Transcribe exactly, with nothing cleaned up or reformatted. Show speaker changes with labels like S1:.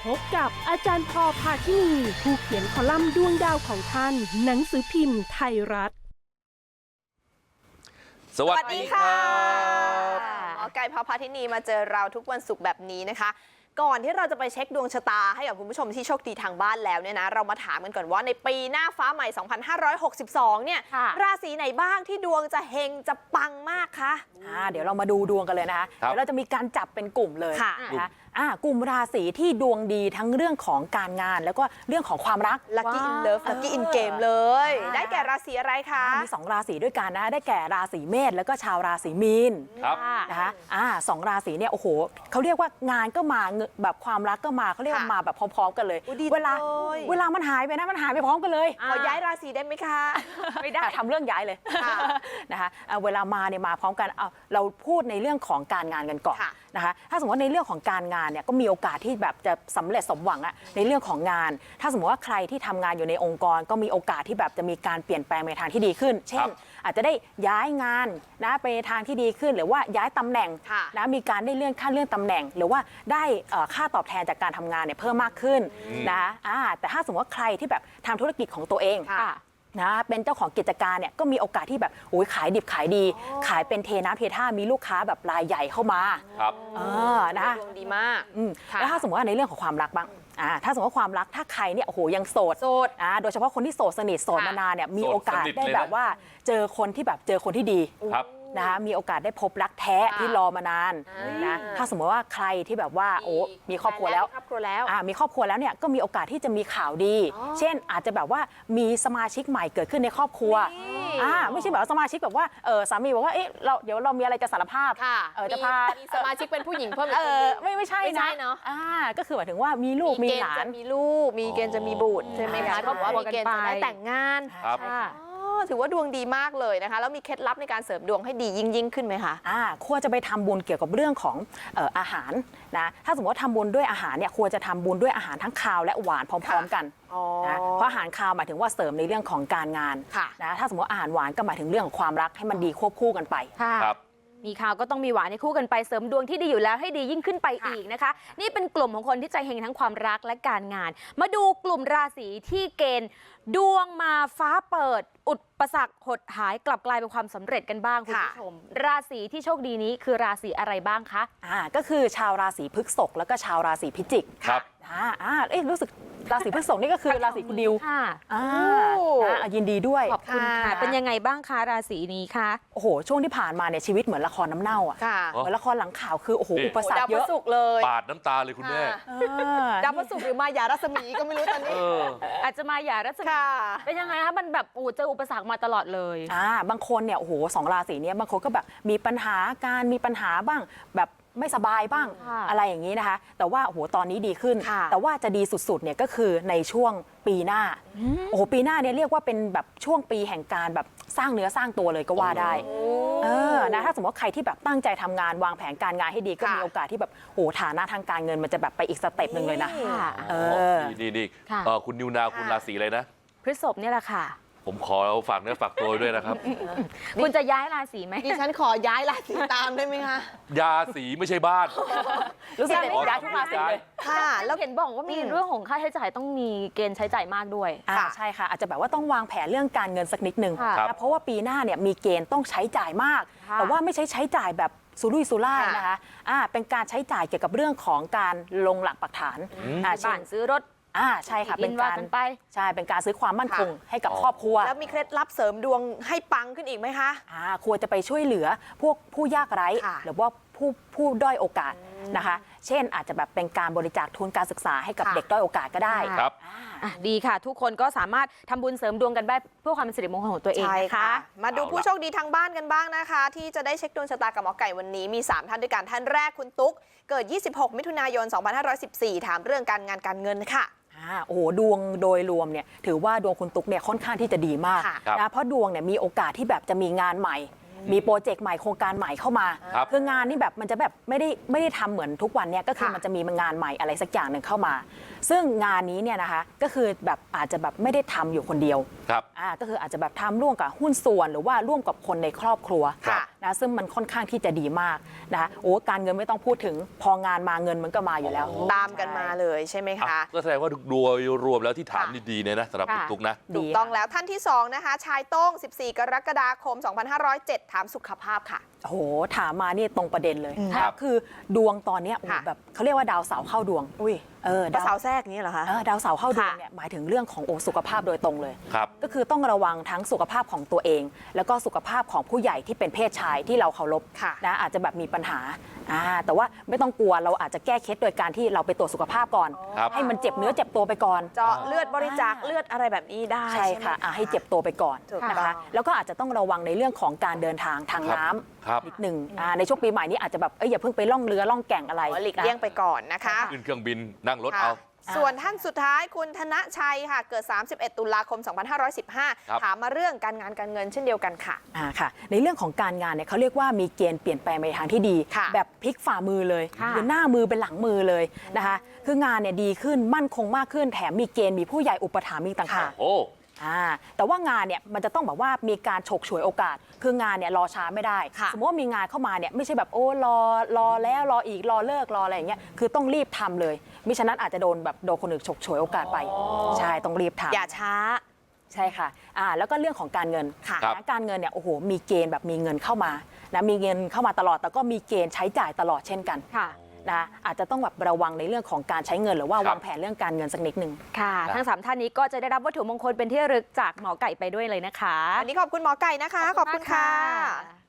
S1: พบกับอาจารย์พอพาทินีผู้เขียนคอลัมน์ดวงดาวของท่านหนังสือพิมพ์ไทยรัฐ
S2: สวัสดีค่ะ
S3: หมอไก่พพาทินีมาเจอเราทุกวันศุกร์แบบนี้นะคะก่อนที่เราจะไปเช็คดวงชะตาให้กับคุณผู้ชมที่โชคดีทางบ้านแล้วเนี่ยนะเรามาถามกันก่อนว่าในปีหน้าฟ้าใหม่สองพันห้าร้อยหกสิบสองเนี่ยราศีไหนบ้างที่ดวงจะเฮงจะปังมากคะ
S4: อ่าเดี๋ยวเรามาดูดวงกันเลยนะคะเดี๋ยวเราจะมีการจับเป็นกลุ่มเลยนะคะอ่ากลุ่มราศีที่ดวงดีทั้งเรื่องของการงานแล้วก็เรื่องของความรัก
S3: Lucky in Love Lucky in Game เลยได้แก่ราศีอะไรคะ
S4: มีสองราศีด้วยกันนะได้แก่ราศีเมษแล้วก็ชาวราศีมีนนะคะอ่าสองราศีเนี่ยโอ้โหเขาเรียกว่างานก็มาแบบความรักก็มาเขาเรียกว่ามาแบบพร้อมๆกันเลยเวลาเวลามันหายไปนะมันหายไปพร้อมกันเลย
S3: ขอย้ายราศีได้ไหมคะ
S4: ไม่ได้ทำเรื่องย้ายเลยนะคะเวลามาเนี่ยมาพร้อมกันเอาเราพูดในเรื่องของการงานกันก่อนนะคะถ้าสมมติว่าในเรื่องของการงานเนี่ยก็มีโอกาสที่แบบจะสำเร็จสมหวังอะในเรื่องของงาน ถ้าสมมติว่าใครที่ทำงานอยู่ในองค์กรก็มีโอกาสที่แบบจะมีการเปลี่ยนแปลงในทางที่ดีขึ้นเช่นอาจจะได้ย้ายงานนะไปในทางที่ดีขึ้นหรือว่าย้ายตำแหน่งนะมีการได้เลื่อนขั้นเลื่อนตำแหน่งหรือว่าได้ค่าตอบแทนจากการทำงานเนี่ยเพิ่มมากขึ้นนะแต่ถ้าสมมติว่าใครที่แบบทำธุรกิจของตัวเองนะเป็นเจ้าของกิจการเนี่ยก็มีโอกาสที่แบบโอ้ยขายดิบขายดีขายเป็นเทน้ำเทท่ามีลูกค้าแบบรายใหญ่เข้ามา
S2: ครับ
S4: เออนะ
S3: ดวงดีมาก
S4: แล้วถ้าสมมติว่าในเรื่องของความรักบ้างอ่าถ้าสมมติว่าความรักถ้าใครเนี่ยโอ้โหยังโสด
S3: โสด
S4: อ่าโดยเฉพาะคนที่โสดสนิทโสดมานานเนี่ยมีโอกาสได้แบบว่าเจอคนที่แบบเจอคนที่ดีนะคะมีโอกาสได้พบรักแท้ที่รอมานานนะถ้าสมมติว่าใครที่แบบว่าโอ้มีครอบครัวแล้ว
S3: ครอบครัวแล้ว
S4: อ่ามีครอบครัวแล้วเนี่ยก็มีโอกาสที่จะมีข่าวดี เช่นอาจจะแบบว่ามีสมาชิกใหม่เกิดขึ้นในครอบครัวอ่าไม่ใช่แบบสมาชิกแบบว่าเออสามีบอกว่าเอ๊ะเราเดี๋ยวเรามีอะไรจะสารภาพ
S3: เออ
S4: จะพา
S3: มีสมาชิกเป็นผู้หญิงเพิ่ม
S4: เออไม่ไม่ใช่นะ
S3: เนาะ
S4: อ่าก็คือหมายถึงว่ามีลูกมีหลาน
S3: มีลูกมีเกณฑ์จะมีบุตรใช่ไหมคะก็ว่ามีเกณฑ์จะได้แต่งงานถือว่าดวงดีมากเลยนะคะแล้วมีเคล็ดลับในการเสริมดวงให้ดียิ่งยิ่งขึ้นไหมคะ
S4: อ่าควรจะไปทำบุญเกี่ยวกับเรื่องของเอ่ออาหารนะถ้าสมมติว่าทำบุญด้วยอาหารเนี่ยควรจะทำบุญด้วยอาหารทั้งคาวและหวานพร้อมๆกันนะเพราะอาหารคาวหมายถึงว่าเสริมในเรื่องของการงานนะถ้าสมมติอาหารหวานก็หมายถึงเรื่องของความรักให้มันดีควบคู่กันไป
S2: ครับ
S5: มีข่าวก็ต้องมีหวานในคู่กันไปเสริมดวงที่ดีอยู่แล้วให้ดียิ่งขึ้นไปอีกนะคะนี่เป็นกลุ่มของคนที่ใจเฮงทั้งความรักและการงานมาดูกลุ่มราศีที่เกณฑ์ดวงมาฟ้าเปิดอุปสรรคหดหายกลับกลายเป็นความสำเร็จกันบ้างคุณผู้ชมราศีที่โชคดีนี้คือราศีอะไรบ้างคะ
S4: อ่าก็คือชาวราศีพฤษภแล้วก็ชาวราศีพิจิก
S2: ครับ
S4: อ่าอ่าเอ๊ะรู้สึกราศีพฤษภนี่ก็คือราศีคุณดิว
S5: ค่ะ
S4: อ่ายินดีด้วย
S5: ขอบคุณค่ะเป็นยังไงบ้างคะราศีนี้คะ
S4: โอ้โหช่วงที่ผ่านมาเนี่ยชีวิตเหมือนละครน้ำเน่าอ่ะเหมือนละครหลังข่าวคือโอ้โหอุปสรรคเยอะ
S3: เลย
S2: ปาดน้ำตาเลยคุณแม่
S3: ดาวพฤหัสหรือมายารัศมีก็ไม่รู้ตอนนี้
S5: อาจจะมายารัศมีเป็นยังไงคะมันแบบอู้เจออุปสรรคมาตลอดเลย
S4: อ่าบางคนเนี่ยโอ้โหสองราศีนี้บางคนก็แบบมีปัญหาการมีปัญหาบ้างแบบไม่สบายบ้างอะไรอย่างนี้นะคะแต่ว่าโอ้โหตอนนี้ดีขึ้นแต่ว่าจะดีสุดๆเนี่ยก็คือในช่วงปีหน้าโอ้โหปีหน้าเนี่ยเรียกว่าเป็นแบบช่วงปีแห่งการแบบสร้างเนื้อสร้างตัวเลยก็ว่าได้เออนะถ้าสมมติว่าใครที่แบบตั้งใจทำงานวางแผนการงานให้ดีก็มีโอกาสที่แบบโอ้ฐานะทางการเงินมันจะแบบไปอีกสเต็ปหนึ่งเลยนะ
S2: เออดีดีคุณนิวนาคุณราศีอะไรนะ
S5: พฤษภเนี่ยแหละค่ะ
S2: ผมขอฝากเนื้อฝากตัวด้วยนะครับ
S5: คุณจะย้ายราศีไหม
S3: ดิฉันขอย้ายราศีตามได้ไหมคะ
S2: ยาสีไม่ใช่บ้าน
S4: รู้สึกย้ายทุกราศีเลย
S5: ค่ะแล้วเห็นบอกว่ามีเรื่องของค่าใช้จ่ายต้องมีเกณฑ์ใช้จ่ายมากด้วย
S4: อ่าใช่ค่ะอาจจะแบบว่าต้องวางแผนเรื่องการเงินสักนิดนึงนะเพราะว่าปีหน้าเนี่ยมีเกณฑ์ต้องใช้จ่ายมากแต่ว่าไม่ใช่ใช้จ่ายแบบสุรุ่ยสุร่ายนะคะอ่าเป็นการใช้จ่ายเกี่ยวกับเรื่องของการลงหลักปักฐาน
S5: อ่าเช่นซื้อรถ
S4: อ่าใช่ค่ะเป็นการไปใช่เป็นการซื้อความมั่นคงให้กับครอบครัว
S3: แล้วมีเคล็ดลับเสริมดวงให้ปังขึ้นอีกไหมคะ
S4: อ่าควรจะไปช่วยเหลือพวกผู้ยากไร้หรือว่าผู้ผู้ด้อยโอกาสนะคะเช่นอาจจะแบบเป็นการบริจาคทุนการศึกษาให้กับเด็กด้อยโอกาสก็ได้
S2: ครับ
S5: ดีค่ะทุกคนก็สามารถทำบุญเสริมดวงกันได้เพื่อความเป็นสิริมงคลของตัวเองนะคะ
S3: มาดูผู้โชคดีทางบ้านกันบ้างนะคะที่จะได้เช็คดวงชะตากับหมอไก่วันนี้มีสามท่านด้วยกันท่านแรกคุณตุ๊กเกิดยี่สิบหกมิถุนายนสองพันห้าร้อยสิบสี่ถามเรื่องการงานการเงินค่ะ
S4: โอ้โหดวงโดยรวมเนี่ยถือว่าดวงคุณตุ๊กเนี่ยค่อนข้างที่จะดีมากนะเพราะดวงเนี่ยมีโอกาสที่แบบจะมีงานใหม่มีโปรเจกต์ใหม่โครงการใหม่เข้ามาคืองานนี่แบบมันจะแบบไม่ได้ไม่ได้ทำเหมือนทุกวันเนี่ยก็คือมันจะมีงานใหม่อะไรสักอย่างหนึ่งเข้ามาซึ่งงานนี้เนี่ยนะคะก็คือแบบอาจจะแบบไม่ได้ทำอยู่คนเดียว
S2: ครับ
S4: อ่าก็คืออาจจะแบบทำร่วมกับหุ้นส่วนหรือว่าร่วมกับคนในครอบครัว
S2: ครับ
S4: นะซึ่งมันค่อนข้างที่จะดีมากนะคะโอ้การเงินไม่ต้องพูดถึงพองานมาเงินมันก็มาอยู่แล้ว
S3: ตามกันมาเลยใช่ไหม
S2: อ่ะ
S3: คะ
S2: ก็แสดงว่าโดยรวมแล้วที่ถาม
S3: ค่ะ
S2: นี่ดีเนี่ยนะสำหรับคุณ
S5: ค่ะ
S2: ตุ๊กนะ
S3: ถูกต้องแล้วท่านที่สองนะคะชายโต้ง สิบสี่ กรกฎาคม สองพันห้าร้อยเจ็ด ถามสุขภาพค่ะ
S4: โอ้โหถามมานี่ตรงประเด็นเลย
S2: ครับ
S4: คือดวงตอนเนี้ยโอ้โห
S3: ค่ะ
S4: แบบเขาเรียกว่าดาวเสาร์เข้าดวง
S3: อุ้ย
S4: เออ
S3: ดา
S4: ดาว ว
S3: เสาแทรกอย่างนี้เหรอคะ
S4: เออดาวเสาร์เข้าดวง
S3: ค่ะ
S4: เนี่ยหมายถึงเรื่องของโอสุขภาพโดยตรงเลย
S2: ครับ
S4: ก็คือต้องระวังทั้งสุขภาพของตัวเอง แล้วก็สุขภาพของผู้ใหญ่ที่เป็นเพศชายที่เราเคารพ
S3: ค่ะ
S4: นะอาจจะแบบมีปัญหาอ่าแต่ว่าไม่ต้องกลัวเราอาจจะแก้เคล็ดโดยการที่เราไปตรวจสุขภาพก่อน
S2: ครับ
S4: ให้มันเจ็บเนื้อเจ็บตัวไปก่อน
S3: เจาะเลือดบริจาคเลือดอะไรแบบนี้ได้
S4: ใช่
S3: ไหม
S4: ค่ะอ่ะให้เจ็บตัวไปก่อน
S3: ถูก
S4: นะ
S3: ต้อ
S4: คะ
S3: ง
S4: แล้วก็อาจจะต้องระวังในเรื่องของการเดินทางทาง
S2: ครับ
S4: น้ำ
S2: ครับ
S4: นิดหนึ่งอ่าในช่วงปีใหม่นี้อาจจะแบบเอ้ยอย่าเพิ่งไปล่องเรือล่องแก่งอะไร
S3: หลีกเลี่ยงไปก่อนนะคะ
S2: ขึ้นเครื่องบินนั่งรถ
S3: ค่ะ
S2: เอา
S3: ส่วนท่านสุดท้ายคุณธนชัยค่ะ เกิด สามสิบเอ็ด ตุลาคม สองพันห้าร้อยสิบห้า
S2: ครับ
S3: ถามมาเรื่องการงานการเงินเช่นเดียวกันค่ะ
S4: อ่าค่ะในเรื่องของการงานเนี่ยเขาเรียกว่ามีเกณฑ์เปลี่ยนแปลงไปทางที่ดี
S3: ค่ะ
S4: แบบพลิกฝ่ามือเลย
S5: ค่ะ
S4: หรือหน้ามือเป็นหลังมือเลยนะคะคืองานเนี่ยดีขึ้นมั่นคงมากขึ้นแถมมีเกณฑ์มีผู้ใหญ่อุปถัมภ์อีกต่างหาก
S2: โอ้
S4: อ่าแต่ว่างานเนี่ยมันจะต้องแบบว่ามีการฉกฉวยโอกาส คืองานเนี่ยรอช้าไม่ได้
S3: ค่ะ
S4: สมมติว่ามีงานเข้ามาเนี่ยไม่ใช่แบบโอ้รอรอแล้วรออีกรอเลิกรออะไรอย่างเงี้ยคือต้องรีบทำเลยมิฉะนั้นอาจจะโดนแบบโดนคนอื่นฉกฉวยโอกาสไปใช่ต้องรีบทำ
S3: อย่าช้า
S4: ใช่ค่ะอ่าแล้วก็เรื่องของการเงิน
S3: ค่ะ
S2: ครับ
S4: นะการเงินเนี่ยโอ้โหมีเกณฑ์แบบมีเงินเข้ามานะมีเงินเข้ามาตลอดแต่ก็มีเกณฑ์ใช้จ่ายตลอดเช่นกัน
S5: ค่ะ
S4: นะอาจจะต้องแบบระวังในเรื่องของการใช้เงินหรือว่า
S2: ครับ
S4: วางแผนเรื่องการเงินสักนิดหนึ่ง
S5: ค่ะ ทั้งสามท่านนี้ก็จะได้รับวัตถุมงคลเป็นที่ระลึกจากหมอไก่ไปด้วยเลยนะคะ
S3: วันนี้ขอบคุณหมอไก่นะคะ ขอบคุณค่ะ